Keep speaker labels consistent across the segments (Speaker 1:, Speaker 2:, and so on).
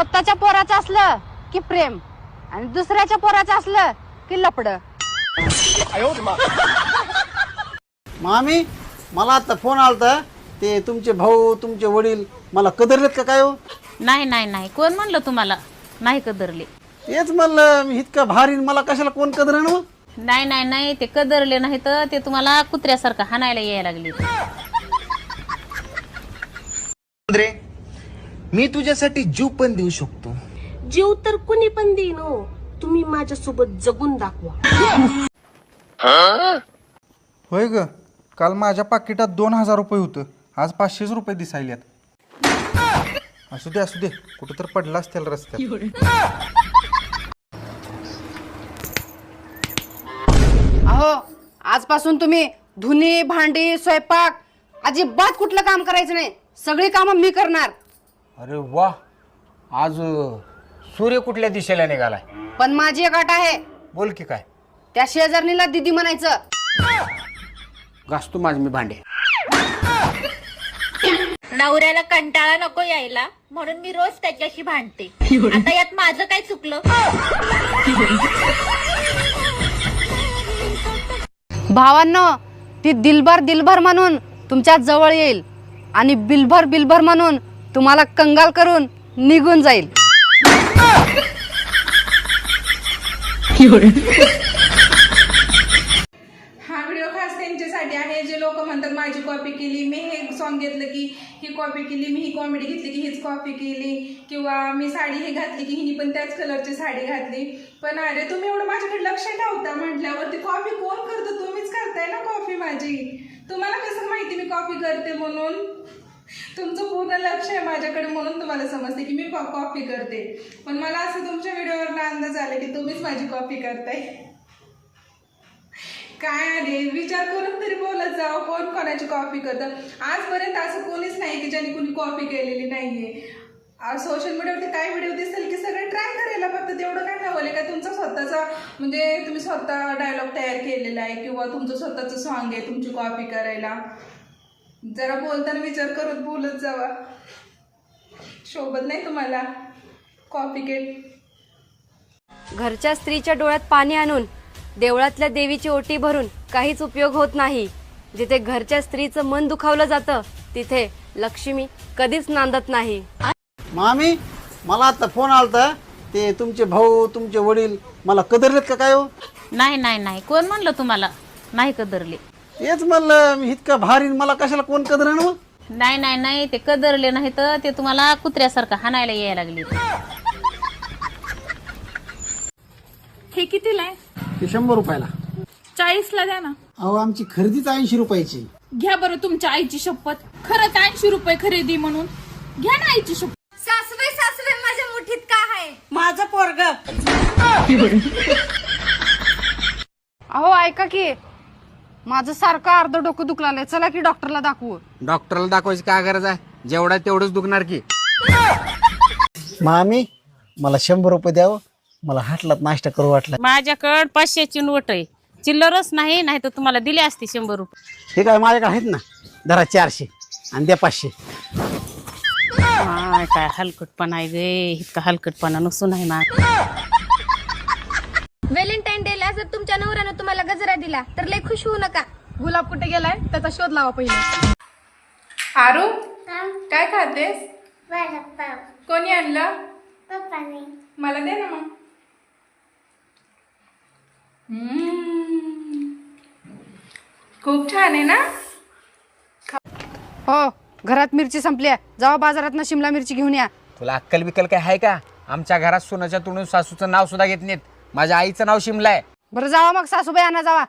Speaker 1: स्वतःच्या पोराचं असलं की प्रेम आणि दुसऱ्याच्या पोराचं असलं की लपड.
Speaker 2: मामी मला आता फोन आलता, ते तुमचे भाऊ तुमचे वडील मला कदरलेत का काय हो?
Speaker 3: नाही नाही नाही, कोण म्हणलं तुम्हाला नाही कदरले?
Speaker 2: तेच म्हणलं मी इतका भारी मला कशाला कोण कदरेन हो?
Speaker 3: नाही नाही नाही, ते कदरले नाही तर ते तुम्हाला कुत्र्यासारखं हाणायला यायला लागली.
Speaker 4: रे मी तुझ्यासाठी जीव पण देऊ शकतो.
Speaker 5: जीव तर कुणी पण देईन हो, तुम्ही माझ्यासोबत जगून दाखवा.
Speaker 6: होय ग, काल माझ्या पाकिटात 2000 रुपये होतं, आज 500 रुपये दिसायल्यात. असू दे कुठं तर पडला असतील रस्त्यात.
Speaker 1: अहो आजपासून तुम्ही धुनी भांडी स्वयंपाक अजिबात कुठलं काम करायचं नाही. सगळी कामं मी करणार.
Speaker 7: अरे वा, आज सूर्य कुठल्या दिशेला निघालाय?
Speaker 1: पण माझी एक अट आहे.
Speaker 7: बोल की काय?
Speaker 1: त्या शेजारणीला दीदी म्हणायचं.
Speaker 7: घासतो माझ मी भांडे.
Speaker 8: नवऱ्याला कंटाळा नको यायला म्हणून मी रोज त्याच्याशी भांडते. आता यात माझं काय चुकलं?
Speaker 1: भावांनो, ती दिलभर म्हणून तुमच्या जवळ येईल आणि बिलभर म्हणून तुम्हाला कंगाल करून निघून जाईल.
Speaker 9: हा व्हिडिओ खास त्यांच्यासाठी आहे जे लोक म्हणतात माझी कॉपी केली, मी हे सॉन्ग घेतलं की ही कॉपी केली, मी ही कॉमेडी घेतली की हीच कॉपी केली, किंवा मी साडी हे घातली की हिनी पण त्याच कलरची साडी घातली. पण अरे तुम्ही एवढं माझ्याकडे लक्ष ठेवता म्हटल्यावरती कॉपी कोण करतो? तुम्हीच करताय ना कॉपी माझी. तुम्हाला कसं माहिती मी कॉपी करते म्हणून? तुमचं पूर्ण लक्ष आहे माझ्याकडे म्हणून तुम्हाला समजते की मी कॉपी करते. पण मला असं तुमच्या व्हिडिओवर अंदाज आला की तुम्हीच माझी कॉपी करताय. काय अरे विचार करून तरी बोलत जावं, कोण कोणाची कॉपी करतं. आजपर्यंत असं कोणीच नाही की ज्यांनी कुणी कॉपी केलेली नाहीये. सोशल मीडियावरती काय व्हिडिओ दिसेल की सगळे ट्राय करायला, फक्त तेवढं काय हवं का तुमचा स्वतःचा म्हणजे तुम्ही स्वतः डायलॉग तयार केलेला आहे किंवा तुमचं स्वतःचं सॉन्ग आहे तुमची कॉपी करायला. जरा बोलताना विचार करत बोलत जावा. शोभत नाही तुम्हाला कॉपी केट.
Speaker 10: घरच्या स्त्रीच्या डोळ्यात पाणी आणून देवळातल्या देवीची ओटी भरून काहीच उपयोग होत नाही. जिथे घरच्या स्त्रीचं मन दुखावलं जातं तिथे लक्ष्मी कधीच नांदत नाही.
Speaker 2: मामी मला आता फोन आलता, ते तुमचे भाऊ तुमचे वडील मला कदरलेत का काय हो?
Speaker 3: नाही नाही नाही, कोण म्हणलं तुम्हाला नाही कदरले?
Speaker 2: तेच म्हणलं मी इतका भारी मला कशाला कोण कदरेन हो?
Speaker 3: नाही नाही नाही, ते कदरले नाही तर ते तुम्हाला कुत्र्यासारखं हाणायला यायला लागली.
Speaker 9: हे कितीला आहे?
Speaker 2: ते 100 रुपयाला.
Speaker 9: 40ला द्या ना.
Speaker 2: अहो आमची खरेदीच 80 रुपयाची.
Speaker 9: घ्या बरं तुमच्या आईची शपथ, खरंच 80 रुपये खरेदी म्हणून घ्या ना आईची शपथ.
Speaker 8: सासूबाई माझ्या मुठीत का आहे?
Speaker 5: माझं पोरग.
Speaker 1: अहो ऐका की, माझं सारखं अर्ध डोकं दुखलाय. चला की डॉक्टरला दाखवू.
Speaker 7: डॉक्टरला दाखवायची काय गरज आहे? जेवढा तेवढंच दुखणार की.
Speaker 2: मामी मला 100 रुपये द्यावं, मला हाटलात नाश्ता करू वाटला.
Speaker 3: माझ्याकडं 500ची नोट आहे, चिल्लरच नाही, नाही तर तुम्हाला दिले असते 100 रुपये.
Speaker 2: हे काय माझ्याकडे आहेत ना, धरा 400 आणि द्या 500.
Speaker 3: काय हलकटपणा आहे गे, इतका हलकटपणा नसून नाही ना.
Speaker 8: व्हॅलेंटाईन डेला जर तुमच्या नवऱ्यानं तुम्हाला गजरा दिला तर लय खुश होऊ नका.
Speaker 1: गुलाब कुठे गेलाय त्याचा शोध लावा पहिले.
Speaker 9: आरू काय खातेस? कोणी आणलं? मला दे ना मग. खूप छान आहे ना.
Speaker 1: हो घरात मिरची संपली आहे, जावा बाजारात शिमला मिरची घेऊन या.
Speaker 7: तुला अक्कल बिक्कल काय आहे का? आमच्या घरात सोनाच्या तोंडून सासूचं नाव सुद्धा घेत नाहीत. माझ्या आईचं नाव शिमला आहे.
Speaker 1: बरं जावा मग सासूबाई आणा जावा.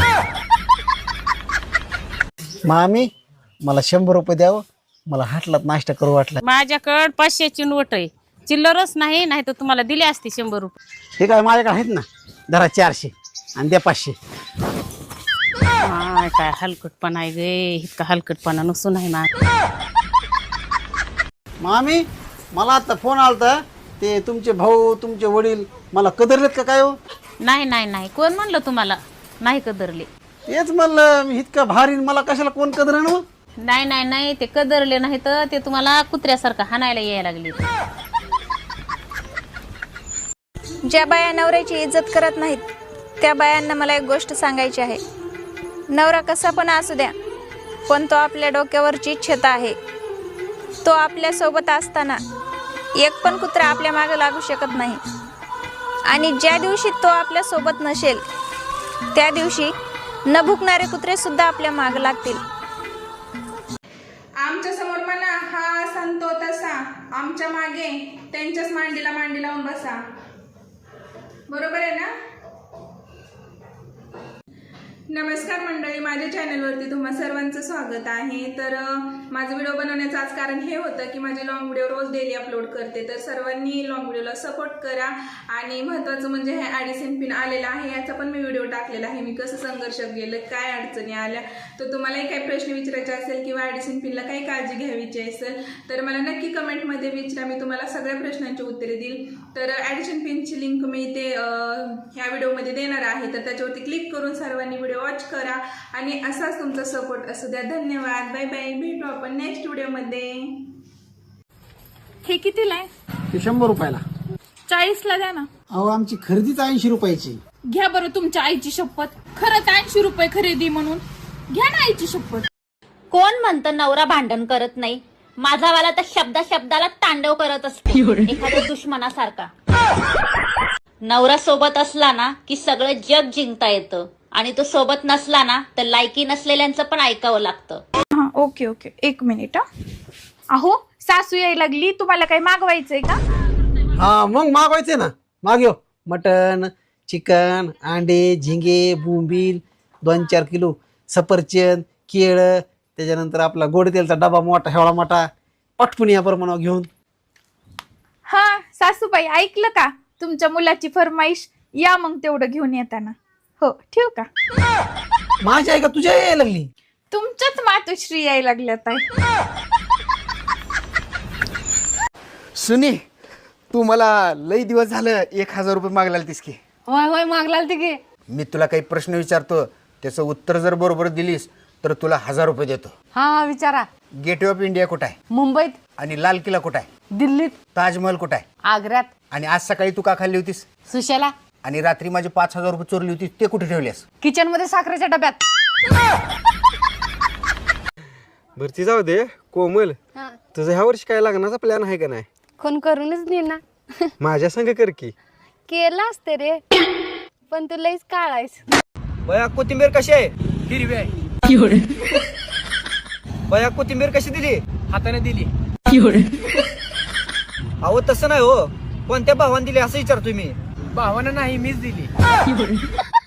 Speaker 2: मामी मला 100 रुपये द्यावं, मला हाटलात नाश्ता करू वाटला.
Speaker 3: माझ्याकडं 500ची नोट आहे, चिल्लरच नाही, नाही तर तुम्हाला दिले असते 100 रुपये.
Speaker 2: हे काय माझ्याकडे आहेत ना, धरा 400 आणि द्या 500.
Speaker 3: काय हलकटपणा आहे गे, इतका हलकटपणा नसून नाही ना.
Speaker 2: मामी मला आता फोन आलता, ते तुमचे भाऊ तुमचे वडील मला कदरलेत का काय हो?
Speaker 3: नाही नाही नाही, कोण म्हणलं तुम्हाला नाही कदरले?
Speaker 2: तेच म्हणलं मी इतका भारी मला कशाला कोण कदरेन हो?
Speaker 3: नाही नाही नाही, ते कदरले नाही तर ते तुम्हाला कुत्र्यासारखं हाणायला यायला लागली.
Speaker 11: ज्या बाया नवऱ्याची इज्जत करत नाहीत त्या बायांना मला एक गोष्ट सांगायची आहे. नवरा कसा पण असू द्या, पण तो आपल्या डोक्यावरची छता आहे. तो आपल्यासोबत असताना एक पण कुत्रा आपल्या मागे लागू शकत नाही. आणि ज्या दिवशी तो आपल्यासोबत नसेल त्या दिवशी न भुकणारे कुत्रे सुद्धा आपल्या मागे लागतील.
Speaker 9: आमच्या समोर म्हणा हा संतो तसा, आमच्या मागे त्यांच्याच मांडीला मांडी लावून बसा. बरोबर आहे ना? नमस्कार मंडळी, माझ्या चॅनलवरती तुम्हा सर्वांचं स्वागत आहे. तर माझं व्हिडिओ बनवण्याचं आज कारण हे होतं की माझे लॉंग व्हिडिओ रोज डेली अपलोड करते, तर सर्वांनी लॉंग व्हिडिओला सपोर्ट करा. आणि महत्त्वाचं म्हणजे हे ॲडिशन पिन आलेला आहे, याचा पण मी व्हिडिओ टाकलेला आहे. मी कसं संघर्ष केलं, काय अडचणी आल्या, तर तुम्हालाही काही प्रश्न विचारायचे असेल किंवा ॲडिशन पिनला काही काळजी घ्यावीची असेल तर मला नक्की कमेंटमध्ये विचारा, मी तुम्हाला सगळ्या प्रश्नांची उत्तरे देईल. तर ॲडिशन पिनची लिंक मी ते ह्या व्हिडिओमध्ये देणार आहे, तर त्याच्यावरती क्लिक करून सर्वांनी व्हिडिओ वॉच करा आणि असाच तुमचा सपोर्ट असू द्या. धन्यवाद, बाय बाय, भेटू आपण नेक्स्ट व्हिडिओमध्ये.
Speaker 11: हे कितीला आहे?
Speaker 2: ते 100 रुपयाला.
Speaker 11: 40ला द्या ना.
Speaker 2: अहो आमची खरेदीच 80 रुपयाची.
Speaker 11: घ्या बरं तुमच्या आईची शपथ, खरंच 80 रुपये खरेदी म्हणून घ्या ना आईची शपथ.
Speaker 8: कोण म्हणतं नवरा भांडण करत नाही? माझावाला तर शब्दाला तांडव करत असतो, एखाद्या दुश्मनासारखा. नवरा सोबत असला ना की सगळं जग जिंकता येतं, आणि तो सोबत नसला ना तर लायकी नसलेल्यांचं पण ऐकावं लागतं.
Speaker 11: हा ओके ओके, एक मिनिट. अहो सासू यायला लागली, तुम्हाला काही मागवायचंय का?
Speaker 2: हा मग मागवायचे ना, मागव. मटन, चिकन, अंडे, झिंगे, बोंबील, 2-4 किलो सफरचंद, केळं, त्याच्यानंतर आपला गोड तेलचा डबा मोठा, हेवळा मोठा, पटपून या प्रमाणावर घेऊन.
Speaker 11: हा सासूबाई ऐकलं का, तुमच्या मुलाची फरमाईश, या मग तेवढं घेऊन येताना. हो ठेवू का?
Speaker 2: माझी आहे का तुझ्या यायला लागली?
Speaker 11: तुमच्याच मातोश्री यायला लागल्यात आहे.
Speaker 7: सुनी, तू मला लई दिवस झालं 1000 रुपये मागला तीस की.
Speaker 1: होय होय मागला ते की.
Speaker 7: मी तुला काही प्रश्न विचारतो, त्याचं उत्तर जर बरोबर दिलीस तर तुला 1000 रुपये देतो.
Speaker 1: हा विचारा.
Speaker 7: गेटवे ऑफ इंडिया कुठं आहे?
Speaker 1: मुंबईत.
Speaker 7: आणि लाल किल्ला कुठं आहे?
Speaker 1: दिल्लीत.
Speaker 7: ताजमहल कुठं आहे?
Speaker 1: आग्र्यात.
Speaker 7: आणि आज सकाळी तू का खाल्ली होतीस?
Speaker 1: सुशेला.
Speaker 7: आणि रात्री माझे 5000 रुपये चोरली होती, ते कुठे ठेवलेस?
Speaker 1: किचन मध्ये साखरेच्या डब्यात.
Speaker 6: भरती जाऊ दे. कोमल, तुझं ह्या वर्षी काय लग्नाचा प्लॅन आहे का नाही?
Speaker 10: कोण करूनच नाही ना.
Speaker 6: माझ्या संग कर की.
Speaker 10: केला असते रे, पण तू लईच काळायस.
Speaker 7: बया कोथिंबीर कशी आहे? हिरवी आहे. बया कोथिंबीर कशी दिली? हाताने दिली. अहो तसं नाही हो, कोणत्या भावाने दिली असं विचारतोय मी. भावानं नाही, मीच दिली.